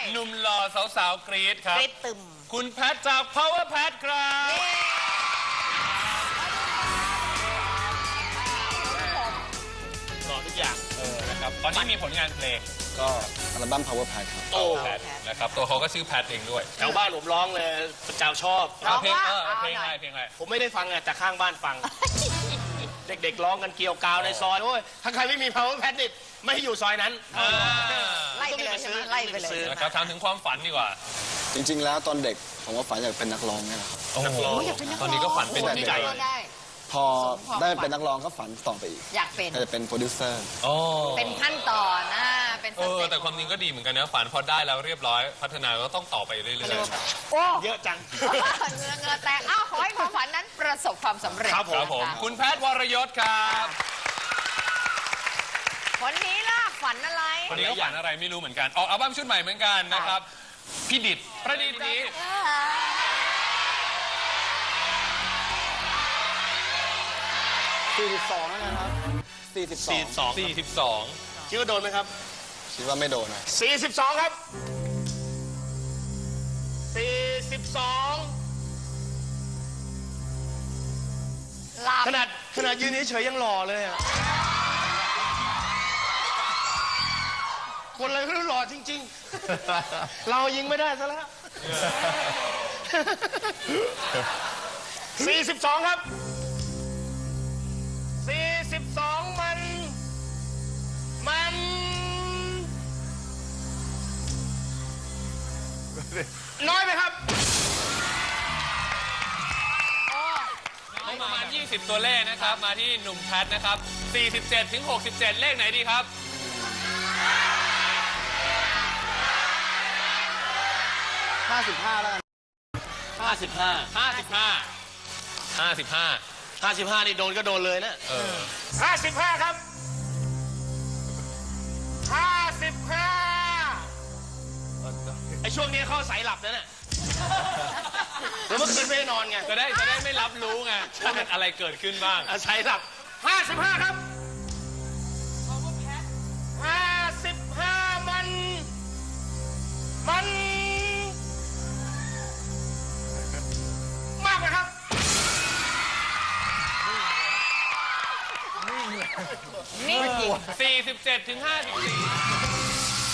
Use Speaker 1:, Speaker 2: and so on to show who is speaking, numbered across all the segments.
Speaker 1: หนุ่มหล่อสาวๆกรี๊ดครับ
Speaker 2: กรี๊ดตึม
Speaker 1: คุณแพทจาก Power Pat ครับหล่อทุกอย่างนะครับตอนนี้มีผลงานเพลง
Speaker 3: ก็อัลบั้ม Power Pad ครับ
Speaker 1: โอ้แพทนะครับตัวเขาก็ชื่อแพทเองด้วย
Speaker 4: แถวบ้านผมร้องเลยเจ้าชอบ
Speaker 2: ร้อง
Speaker 1: เพลง
Speaker 2: ว่า
Speaker 1: เพลง
Speaker 2: เอาหน่
Speaker 1: อะไร
Speaker 2: อย
Speaker 1: เพลงอะไร
Speaker 4: ผมไม่ได้ฟังแต่ข้างบ้านฟัง เด็กๆร้องกันเกลียวกราวในซอยโอ้ยถ้าใครไม่มี Power Pad นี่ไม่ให้อยู่ซอยนั้น
Speaker 2: ไล่ไปเลยใช่ไหมไล่ไปเลย
Speaker 1: นะครับถามถึงความฝันดีกว่า
Speaker 3: จริงๆ แล้วตอนเด็กผมก็ฝันอยากเป็นนักร้องนี่แหละครับ
Speaker 1: โอ้โหตอนนี้ก็ฝันเป็นจริง
Speaker 2: ได้ได้
Speaker 3: พอได้เป็นนักร้องก็ฝันต่อไปอีก
Speaker 2: อยากเป็น
Speaker 3: อยากจะเป็นโปรดิวเซอร์
Speaker 1: โอ้
Speaker 2: เป็นขั้นตอนนะเป็นสเต็ป
Speaker 1: แต่ความจริงก็ดีเหมือนกันนะฝันพอได้แล้วเรียบร้อยพัฒนาก็ต้องต่อไปเรื่อยๆ
Speaker 2: โอ้
Speaker 4: เยอะจัง
Speaker 2: เงือแตกขอให้ความฝันนั้นประสบความสำเร็จ
Speaker 4: ครับ
Speaker 1: ครับผม
Speaker 2: นะะ
Speaker 1: คุณแพทย์วรยศครับ
Speaker 2: คนนี้ล่ะฝันอะไร
Speaker 1: คนนี้ก็ฝันอะไรไม่รู้เหมือนกันออกอัลบั้มชุดใหม่เหมือนกันนะครับพี่ดิษฐ์ประดิษฐ์นี้
Speaker 3: 42แล้วนะครับ42
Speaker 1: 42
Speaker 4: คิดว่าโดนไหมครับ
Speaker 3: คิดว่าไม่โดนนะ
Speaker 4: 42 ครับ 42
Speaker 2: หลับ
Speaker 4: ขนาดยืนเฉยๆยังหล่อเลยอะคนอะไรก็รู้หล่อจริงๆ เรายิงไม่ได้ซะแล้ว 42 ครับ 42 มันน้อยไหมครับ
Speaker 1: ประมาณ20 ตัวเลขนะครับมาที่หนุ่มแพทนะครับ47ถึง67เลขไหนดีครับ
Speaker 3: 55แล้วกัน
Speaker 4: 55
Speaker 1: 55
Speaker 4: นี่โดนก็โดนเลยนะ 55 ครับ 55ไอช่วงนี้เขาสายหลับนั่นแหละแล้วเมื่อคืนไม่ได้นอนไง
Speaker 1: จะได้ไม่รับรู้ไงว่ามันอะไรเกิดขึ้นบ้าง
Speaker 4: อาศัยหลับ 55 ครับ 55 มัน มากไหมครับ
Speaker 2: นี่จริง
Speaker 1: 47ถึง54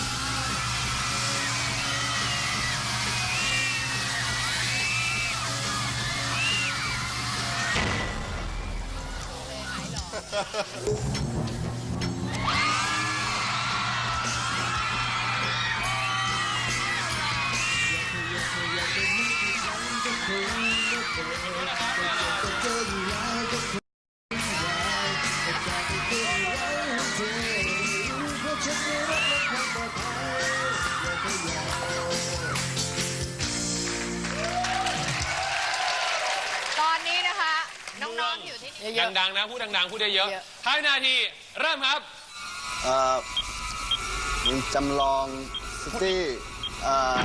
Speaker 2: ตอนนี้นะคะ น้องๆอยู่ที่นี่เยอะ
Speaker 1: ดังๆนะพูดดังๆพูดเยอะ
Speaker 2: เยอะ
Speaker 1: ๆ5 นาทีเริ่มครับ
Speaker 3: มีจำลองซิตี้อ่า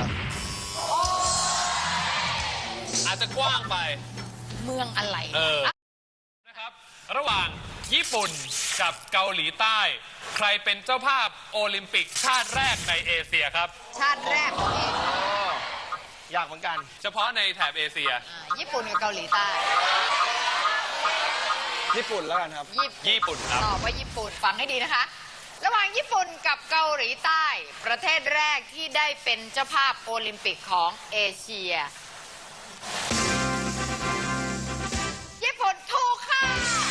Speaker 1: อาจจะกว้างไป
Speaker 2: เมืองอะไร
Speaker 1: นะครับระหว่างญี่ปุ่นกับเกาหลีใต้ ใครเป็นเจ้าภาพโอลิมปิกชาติแรกในเอเชียครับ
Speaker 2: ชาติแรกของเอง
Speaker 4: อยากเหมือนกัน
Speaker 1: เฉพาะในแถบเอเชีย
Speaker 2: ญี่ปุ่นกับเกาหลีใต้
Speaker 3: ญี่ปุ่นแล้วกันครับ
Speaker 1: ญี่ปุ่นครับ
Speaker 2: ตอบว่าญี่ปุ่นฟังให้ดีนะคะ ระหว่างญี่ปุ่นกับเกาหลีใต้ ประเทศแรกที่ได้เป็นเจ้าภาพโอลิมปิกของเอเชีย ญี่ปุ่นถูกค่ะ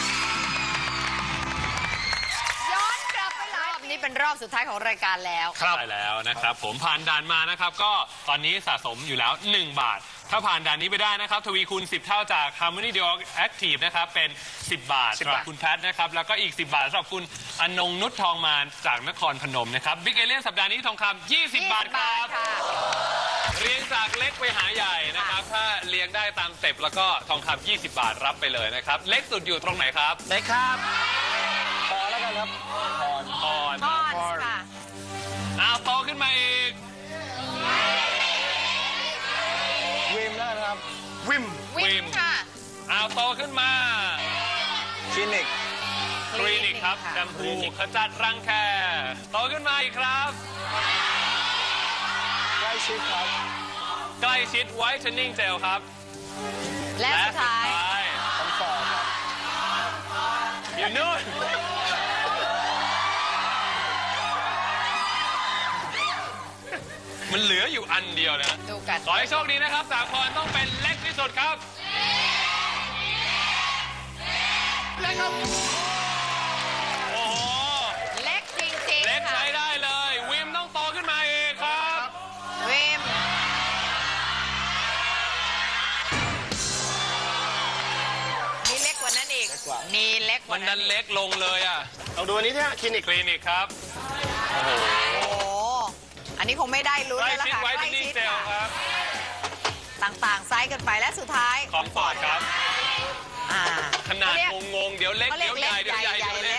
Speaker 2: ย้อนกลับไปหลายรอบนี้เป็นรอบสุดท้ายของรายการแล้ว
Speaker 1: ใช่แล้วนะครับผมผ่านด่านมานะครับก็ตอนนี้สะสมอยู่แล้ว 1 บาท ถ้าผ่านด่านนี้ไปได้นะครับทวีคูณ10 เท่าจาก Harmony Duo Active นะครับเป็น 10 บาทสำหรับคุณแพทนะครับแล้วก็อีก 10 บาทสำหรับคุณอนงนุชทองมานจากนครพนมนะครับบิ๊กเอเลียนสัปดาห์นี้ทองคำ20 บาทครับ
Speaker 2: ค่ะ
Speaker 1: เรียงจากเล็กไปหาใหญ่นะครับถ้าเรียงได้ตามสเต็ปแล้วก็ทองคำ20 บาทรับไปเลยนะครับเล็กสุดอยู่ตรงไหนครับ
Speaker 4: ไหนครับ
Speaker 3: พอแล้วกันครับ
Speaker 1: อ่อน
Speaker 2: ทอดค่ะ
Speaker 1: โตขึ้นมาอีก
Speaker 3: วิมแล้วกันครับ
Speaker 4: วิม
Speaker 2: วิมค่ะ
Speaker 1: โตขึ้นมา
Speaker 3: คลินิก
Speaker 1: คลินิกครับแชมพูขจัดรังแคโตขึ้นมาอีกครับ
Speaker 3: ชิดครับ
Speaker 1: ใกล้ชิด whitening gel ครับ
Speaker 2: และสุดท้าย
Speaker 3: คอมฟอร์ตครับ
Speaker 1: อยู่นู่น มันเหลืออยู่อันเดียวนะ
Speaker 2: ดูกัน
Speaker 1: ขอให้โชคดีนะครับสาครต้องเป็นเล็กที่สุดครับ
Speaker 4: เล็กครับ
Speaker 1: โอ้โห
Speaker 2: เล็กจริง
Speaker 1: เล็ก
Speaker 2: ๆค่ะ
Speaker 1: ใช้ได้เลย วิมต้องโตขึ้นมาเองครับ
Speaker 2: เวมมีเล็กกว่านั้นอีก มีเล็กก
Speaker 1: มั
Speaker 2: ว่าน นั้
Speaker 1: นั้น นเล็กลงเลยอ่ะ
Speaker 4: ลองดูอันนี้ที่คลินิก
Speaker 1: คลินิกครับ โอ้โห
Speaker 2: โอ้โหอันนี้คงไม่ได้ลุ้น
Speaker 1: ใกล้
Speaker 2: แล้วล่ะ
Speaker 1: ชิด
Speaker 2: ค่ะ
Speaker 1: ไว้
Speaker 2: ใกล้
Speaker 1: ที่นี่
Speaker 2: ชิด
Speaker 1: เจล
Speaker 2: ค่ะ
Speaker 1: ครับ
Speaker 2: ต่างๆไซส์กันไปและสุดท้าย
Speaker 1: ของปอดครับ
Speaker 2: อ่า
Speaker 1: ขนาด
Speaker 2: เขเรียก
Speaker 1: งงๆ เดี๋ยวเล็ก
Speaker 2: เขาเรี
Speaker 1: เดี๋
Speaker 2: ย
Speaker 1: ย
Speaker 2: ก
Speaker 1: วใหญ่ เดี๋ยวใหญ่
Speaker 2: เล็กใหญ่
Speaker 1: เดี๋ยวเล็